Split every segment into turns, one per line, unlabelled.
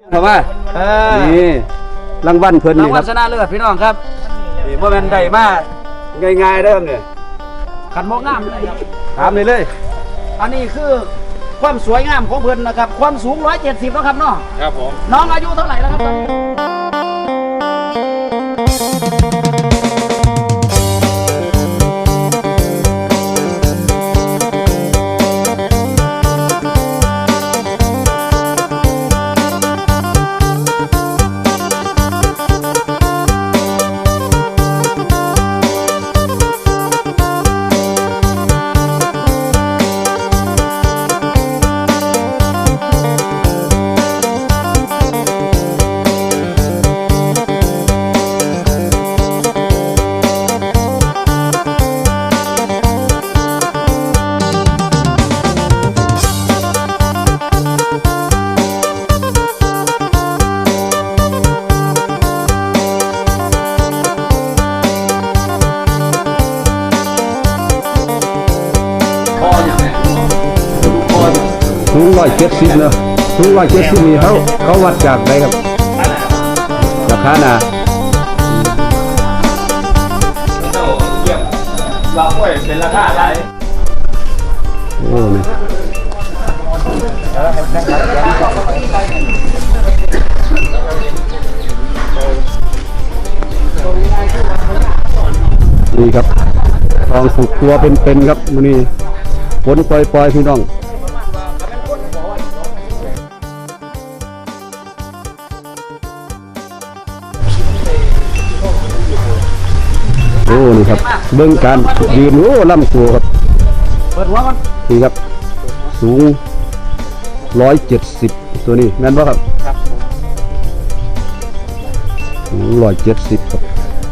เข้ามานี่รางวัลเพิ่น
รา
นี่
ง
ค
วั
รั
ล
บ
ชนะเลิศพี่น้องครับ
นี่บ่แม่นได้มาง่ายๆเด้อเนี่ย
ขันโมกงามเลยครับ
ถามเลย
อันนี้คือความสวยงามของเพิ่นนะครับความสูง170แล้วครับเนาะ
ครับผม
น้องอายุเท่าไหร่แล้วครับตอนนี้
สูง170เนาะสูง170นี่เขาวัดจากไหนครับราคาน่ะ
เราก็เป็นราคาอะไร
โอ้นี่นี่ครับทองสุกตัวเป็นๆครับมื้อนี้ฝนปล่อยๆพี่น้องโอ้นี่ครับเบิ่งการยืนโอ้ลำตัวครับ
เปิดหัวมัน
นี่ครับสูง170ตัวนี้แม่นบ่ครับสูง170ครับ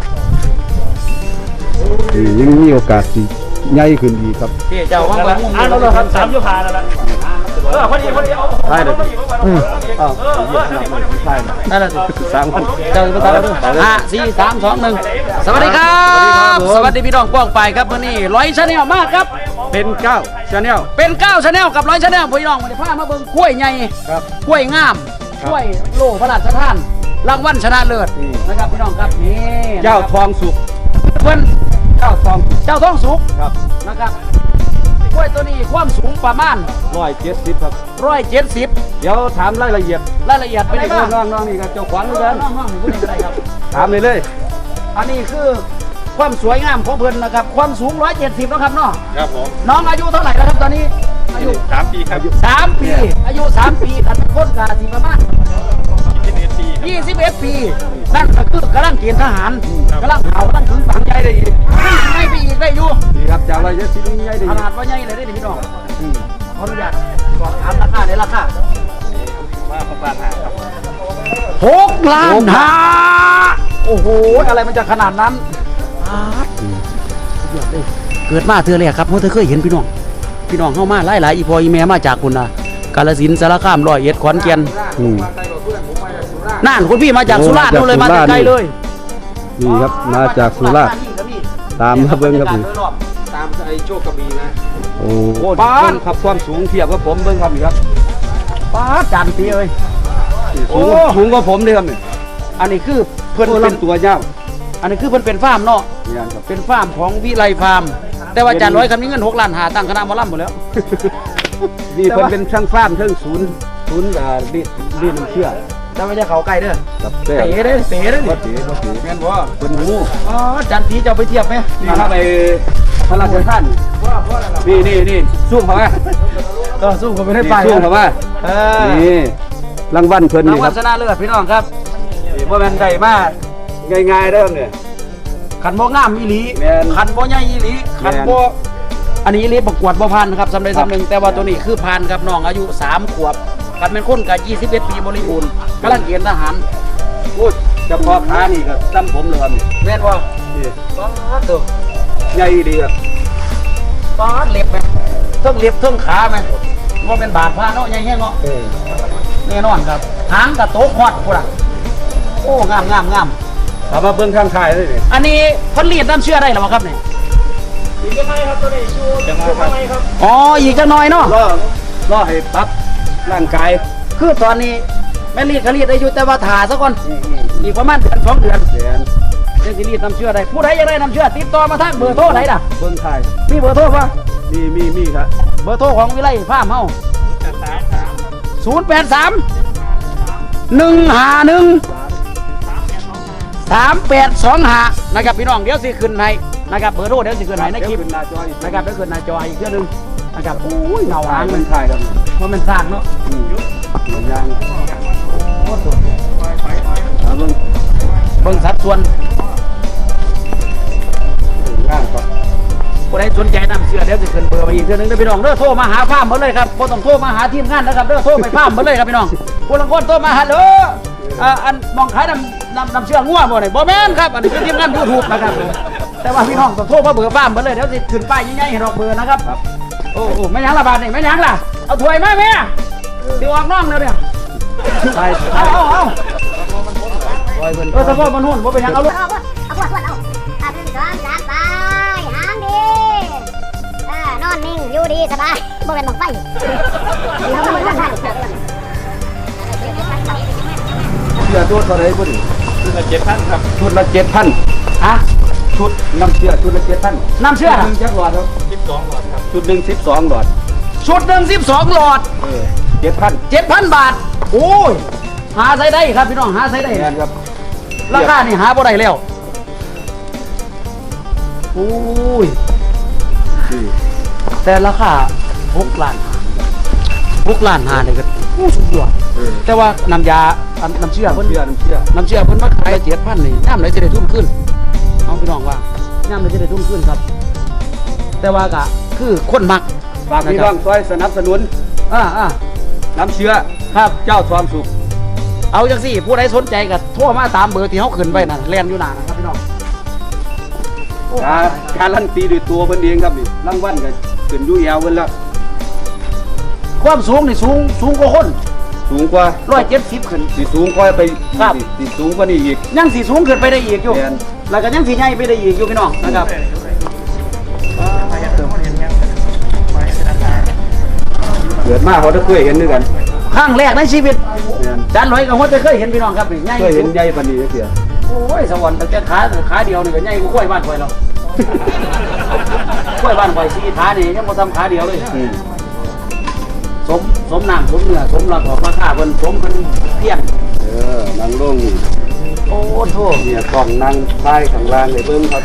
นี่ยังมีโอกาสสิใหญ่ขึ้นอีกครับ
พี่เจ้าว่างละ
เราครับ3ยุพานั่นแหละพอดีเอา
ได้เลยอ้าวใช่
นั่นแหละสิ
3,000
เจ้าภาษาเราด้วย5 4 3 2 1สวัสดีครับสวัสดีพี่น้องกว้างไปครับวันนี้100 Channel มากครับ
เป็น9 Channel
เป็น9 Channel กับ100 Channel พี่น้องวันนี้พามาเบิ่งกล้วยใหญ่
ครับ
กล้วยงามกล้วยโล่พระราชทานรางวัลชนะเลิศ
นี่
นะครับพี่น้องครับนี่
เจ้าทองสุก
เพิ่น
เจ้าทองสุก
เจ้าท้องสุก
ครับ
นะครับกล้วยตัวนี้ความสูงประมาณ
170ครับ
170
เดี๋ยวถามรายละเอียด
รายละเอียดเป็นยังไงบ้าง
น้องๆนี่ครับเจ้าขวัญเหมือนกัน
น้องๆนี่พูดอะไรครับ
ถามเลย
อันนี้คือความสวยงามของเพิ่นนะครับความสูง170แล้วครับเนาะ
ครับผม
น้องอายุเท่าไหร่แล้วครับตอนนี้อายุ
3 ปีครับ
3 ปีอายุ 3 ปีกันเป็นคนกาสิประมาณ
21 ปี
21 ปีนั่นก็คือกำลังเกณฑ์ทหารกำลังเผากำลังถึงฝังใจได้อีกไม่ไปอีกได้อยู่
นี่ครับจาก170นี่ใหญ่ดี
ขนาดว่าใหญ่เลยได้พี่น้องขออนุญาตสอบถามราคาในราคา
มาประมาณ5ครับ
6 ล้านห้าโอ้โหอะไรมันจะขนาดนั้นเกิดมาเธอเลยครับเพราะเธอเคยเห็นพี่น้องเข้ามาหลายๆอีพออีแม่มาจากคุณนะกาฬสินธุ์สารคามร้อยเอ็ดขอนแก่น
อืม
น่านคุณพี่มาจากสุราษฎร์นู่นเลยมาจากไกลเลย
นี่ครับมาจากสุราษฎร์ตามมาเบิ่งครับนี่
ตามไอ้โชคกระบี่นะ
โอ้โหเบิ่งครับความสูงเทียบกับผมเบิ่งครับนี่ครับ
ป้าจานปีเอ้ย
สูงกว่าผมเลยครับนี่
อันนี้คือ
เพิ่นเป็นตัวยาว
อันนี้คือเพิ่นเป็นฟาร์มเนาะ
นี่ครับ
เป็นฟาร์มของวิไลฟาร์มแต่ว่าจานร้อยคำนี้เงิน6 ล้านหาตั้งคณะหมอลำหมดแล้ว
นี่เพิ่นเป็นช่างฟาร์มเทิงศูนย์รีดน้ำเชื่อ
แต่ไม่ใช่เขาใกล้เด้อ
ครับแต่
เต๋เด้อเต๋เด้อ
บ่
นี่
เสียแม่นบ่เพิ่นหู
อ๋อจานปีจะเอาไปเทียบไหม
นี่ครับไอ้พระราชทานนี่สู้เข้ามา
ก็สู้กันไม่ได้ไป
สู้เข้ามา นี่รางวัลเพิ่น
ราง
นี่ค
วั
รั
ล
บ
ชนะเลิศพี่น้องครับ
นี่บ่แม่นได้มาง่ายๆเด้อเนี่ย
ขันบ่งามอีหลี
แม่น
ขันบ่ใหญ่อีหลีขันบ่อันนี้อีหลีประกวดบ่ผ่านนะครับสำเร็จสำหนึ่งแต่ว่าตัวนี้คือผ่านครับน้องอายุ3 ขวบขันเป็นคนกับ21 ปีบริบูรณ์กำลังเกณฑ์ทหาร
พูดเฉพาะขานี่ก็ซ้ำผมเลยครับนี่
แม่นว่า
นี่
ป๊าดตัว
ใหญ่ดีครับ
ป๊าดเล็บไหมเทิงเล็บเทิงขาไหมว่าเป็นบาดผ้าเนาะใหญ่แห้งเนาะแน่นอนครับหางกับโต๊ะฮอดพุ่นอ่ะโอ้งาม
ถามมาเบิ่งข้างท้ายเลยนี่
อันนี้เพิ่นเรียนน้ำเชื่อได้หรือเปล่าครับเนี่ย
อีกยังไงครับตัวนี้ชูยังไงครับ
อ๋ออีกจักหน่อยเนาะ
รอให้ปรับร่างกาย
คือตอนนี้แม่รีดก็รีดได้อยู่แต่ว่าถ่าซะก่อนอีกประมาณเดือน2 เดือนเรื่องสิรีดน้ำเชื่อได้ผู้ใดอยากได้น้ำเชื่อติดต่อมาทางเบอร์โทรไหนล่ะ
เบิ่งไทย
มีเบอร์โทรป่ะ
มีครับ
เบอร์โทรของวิไลฟาร์มเฮา083 151 3825นะครับพี่น้องเดี๋ยวสิขึ้นให้นะครับเบอร์โทรเดี๋ยวสิขึ้นให้ในคลิป
ขึ้นหน้าจออีก
นะครับเดี๋ยวขึ้นหน้าจออีกเทื่อนึงนะครับอุ้ยเงาหาง
มั
มัน น
ไทยครับ
เพราะมันสร้างเนาะ
ยัง
โคตรสวย
เบิ่ง
เบิ่งสัดส่วน
ข้างก่อน
ผู้ใดสนใจนำเสื้อเดี๋ยวจะขึ้นเบอร์ไปอีกเทื่อนึงเด้อพี่น้องเด้อโทรมาหาฟาร์มหมดเลยครับบ่ต้องโทรมาหาทีมงานนะครับเด้อโทรไปฟาร์มหมดเลยครับพี่น้องผู้ลังคนโทรมาหาเด้ออันมองขายน้ำเชื่องัวบ่นี่บ่แม่นครับอันนี้คือทีมงาน YouTube นะครับแต่ว่าพี่น้องต้องโทรมาเบอร์ฟาร์มหมดเลยเดี๋ยวสิขึ้นป้ายใหญ่ๆให้ดอกเบอร์นะครับโอ้โหแม่ยังละบาทนี่แม่ยังล่ะเอาถ้วยมาแม่สิออกน้องแล้วเนี่ย
ไทย
เอา
ปล่อยเพิ่น
เฉพาะมันหุ่นบ่เป็นหยังเอาลูก
เอาพวดเอา1 2 3ไปหางดีนอนนิ่งอยู่ดีสบายบ่เป็นบังไฟเราไม่ต้องทัน
เชื่อตัวเท่าไหร่บ่ดิ
ชุดละ7,000ครับ
ชุดละ7,000
ฮะ
ชุดน้ำเชื่อชุดละ7,000
น้ำเชื่อ
หนึ่งจักหลอดครับ
12หลอดครับ
ชุดหนึ่ง12หลอด
ชุดหนึ่ง12 หลอด
7,000
7,000 บาท โอ้ย หาใช้ได้ครับพี่น้อง หาใช้ได้
แม่นครับ
ราคานี่หาบ่ได้แล้วโอ้ย
นี่
แต่ราคา6 ล้าน6 ล้าน5เนี่ยก็โอ้สุดยอดแต่ว่าน้ำยาน้ำเชื่อเพิ่น
เชื่อน้ำเชื่อ
น้ำเชื่อเพิ่นมาขาย7,000นี่ย่ำไหนจะได้ทุ่มขึ้นเอาพี่น้องว่าย่ำไหนจะได้ทุ่มขึ้นครับ แต่ว่าก็คือคนมัก
ฝากพี่น้องช่วยสนับสนุน น้ำเชื่อ
ครับ
เจ้าความสุข
เอาจังสิผู้ใดสนใจก็โทรมาตามเบอร์ที่เขาขึ้นไว้นั่นแลนอยู่หน้านะครับพี่น้อง
การันตีด้วยตัวเพิ่นเองครับนี่รางวัลก็ขึ้นอยู่แอวเพิ่นแล้ว
ความสูงนี่สูงกว่าคน
สูงกว่า
170ขึ้น
สิสูงกว่าไป
ครับ
สิสูงกว่านี้อีก
ยังสีสูงขึ้นไปได้อีกอยู่
แม่น
แล้วก็ยังสีใหญ่ไปได้อีกอยู่พี่น้องนะครับ
เกิดมาเขาได้เคยเห็นด้วยกัน
ครั้งแรกในชีวิต
แม่น
จานลอยกับหัวจะเคยเห็นพี่น้องครับนี่ใหญ่
เคยเห็นใหญ่ปานนี้จักเทื่อ
โอ้ยสวรรค์แต่ขาเดียวนี่ก็ใหญ่กว่ากล้วยบ้านข่อยแล้วกล้วยบ้านข่อย4 ขานี่ยังบ่ทำขาเดียวเลย สมน้ำสมเนื้อสมราคาราคาเพิ่นสมเพิ่นเพียง
นั่งลงนี่
โอ้โธ่
เนี่ยกล้องนั่งท้ายข้างล่างเลยเบิ่งครับ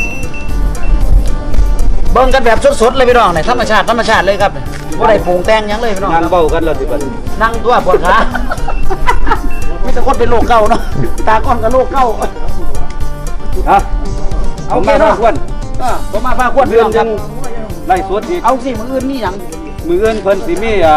เบิ่งกันแบบสดๆเลยพี่น้องเนี่ยธรรมชาติเลยครับบ่ได้ปรุงแต่งหยังเลยพี่น้อง
นั่งเบ้ากันแล้วสิบัดนี้
นั่งตัวปวดขา มีแต่คนเป็นโรคเก่าเนาะตาก้อนกับโรคเก่า
ฮะ
เอา
ผม
แค่
มา
เนาะ
ควร
ผมมาพาควรพี่
เรื่อ
น้
ง
องค
ยั
รับ
งไล่สดอีก
เอาสิมื้ออื่นมีหยัง
มืออื่นเพิ่นสิมีอ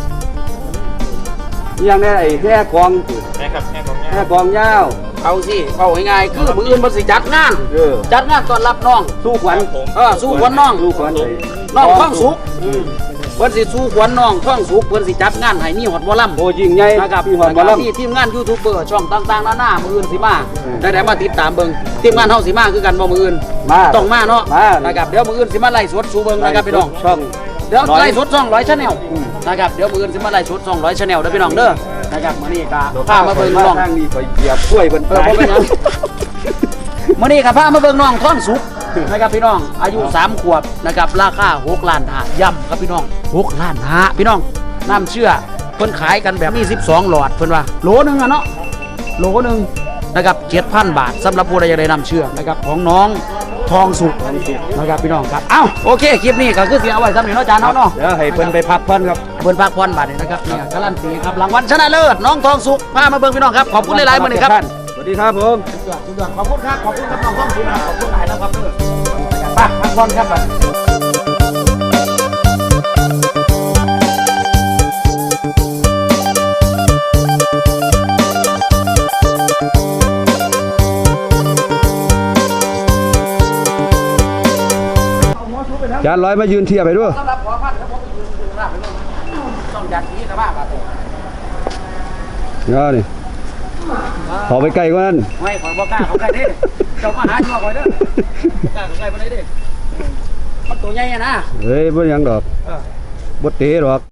หยังแน่ไอ้แค่กอง
แม่ครับแม่ของแม่
แค่กองยาว
เอาสิเอาง่ายๆคือมื้ออื่นบ่สิจัดงาน จัดงานต้อนรับน้อง
สู้ขวัญ
สู้ขวัญน้อง
สู้ขวัญเลย
น้องท้องสุกเพิ่นสิสู้ขวัญน้องท้องสุกเพิ่นสิจัดงานให้มีฮอดหมอลำ
โอ้ยิ่งใหญ่
นะครับ
พี่หอดหมอลำ
มีทีมงานยูทูบเบอร์ช่องต่างๆนานามืออื่นสิมาได้มาติดตามเบิ่งทีมงานเฮาสิมาคือกันบ่มืออื่น
มา
ต้องมาเนาะ
มา
นะครับเดี๋ยวมืออื่นสิมาไล่สดสู่เบิ่งนะครับพี่น้อง
ช่อง
เดี๋ยวไล่สด200 Channel นะครับเดี๋ยวมืออื่นสิมาไล่สด200 Channel เด้อพี่น้องเด้อนะครับมื้อนี้ก็พามาเบิ่งน้อง
ทางนี้ไปเหยียบกล้วยเพิ่น
บ่เป็นหยังมื้อนี้ก็พามาเบิ่งน้องท้องสุกนะครับพี่น้องอายุ3 ขวบนะครับราคา6 ล้านห้าย่ำครับพี่น้อง6 ล้านห้าพี่น้องน้ำเชื่อเพิ่นขายกันแบบมี12 หลอดเพิ่นว่าโหลนึงอะเนาะโหลนึงนะครับ 7,000 บาทสำหรับผู้ใดอยากได้น้ำเชื่อนะครับของน้องทองสุกนะครับพี่น้องครับเอ้าโอเคคลิปนี้ก็คือสิเอาไว้สำหรับเนาะอาจารย์เนาะ
เดี๋ยวให้เพิ่นไปพักผ่อนครับ
เพิ่นพักผ่อนบาทนี่นะครับเนี่ยการันตีครับรางวัลชนะเลิศน้องทองสุกพามาเบิ่งพี่น้องครับขอบคุณหลายๆมื้อนี้ครับ
สวัสดีครับผม
สุดยอดขอบคุณครับขอบคุณครับน้องทองสุกครับขอบคุณหลายนะครับเด้อไปพักผ่อนครับบัด
จานร้อยมายืนเทียบไปด้วย
สำหรับขอพันครับผมอยู่ราบไปเลยต้องยัดนี้กับบ้าบาท
เนาะนี่ขอไปไกลกว่านั้น
ไม่ขอยบอกกล้าเขาใกล้เด้เจ้ามาหาอยู่ข่อยเด้อกล้าเขาใกล้บ่ได้เด้มันตัวใหญ่อะนะ
เฮ้ยบ่หยังดอกบ่เตะดอก